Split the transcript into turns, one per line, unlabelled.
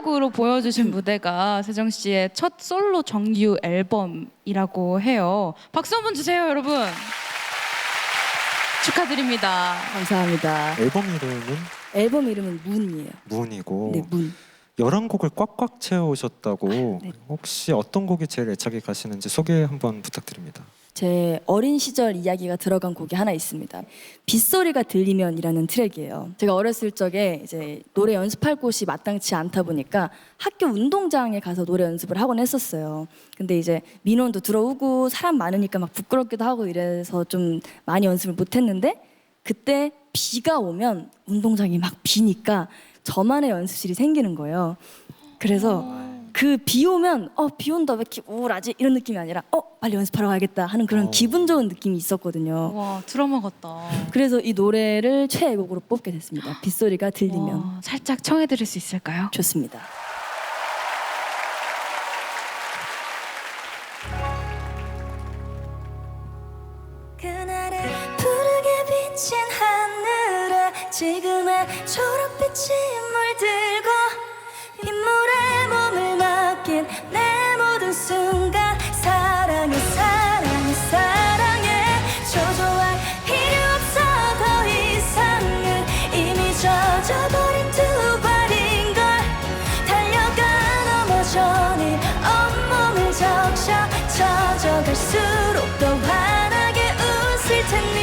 곡으로 보여주신 무대가 세정 씨의 첫 솔로 정규 앨범이라고 해요. 박수 한번 주세요, 여러분. 축하드립니다.
감사합니다.
앨범 이름은 문이에요.
문이고
네, 문.
11곡을 꽉꽉 채우셨다고.
네.
혹시 어떤 곡이 제일 애착이 가시는지 소개 한번 부탁드립니다.
제 어린 시절 이야기가 들어간 곡이 하나 있습니다. 빗소리가 들리면이라는 트랙이에요. 제가 어렸을 적에 이제 노래 연습할 곳이 마땅치 않다 보니까 학교 운동장에 가서 노래 연습을 하곤 했었어요. 근데 이제 민원도 들어오고 사람 많으니까 막 부끄럽기도 하고 이래서 좀 많이 연습을 못 했는데, 그때 비가 오면 운동장이 막 비니까 저만의 연습실이 생기는 거예요. 그래서 그 비 오면 비 온다 왜 이렇게 우울하지 이런 느낌이 아니라 빨리 연습하러 가야겠다 하는 그런 기분 좋은 느낌이 있었거든요.
와, 드라마 같다.
그래서 이 노래를 최애곡으로 뽑게 됐습니다. 빗소리가 들리면.
와, 살짝 청해드릴 수 있을까요?
좋습니다.
그날의 푸르게 비친 하늘에 지금의 초록빛이 물들고 빗물에 몸을 맡긴 내 모든 순간 사랑해 사랑해 사랑해 초조할 필요 없어 더 이상은 이미 젖어버린 두 발인걸 달려가 넘어져 네 온몸을 적셔 젖어갈수록 더 환하게 웃을 텐데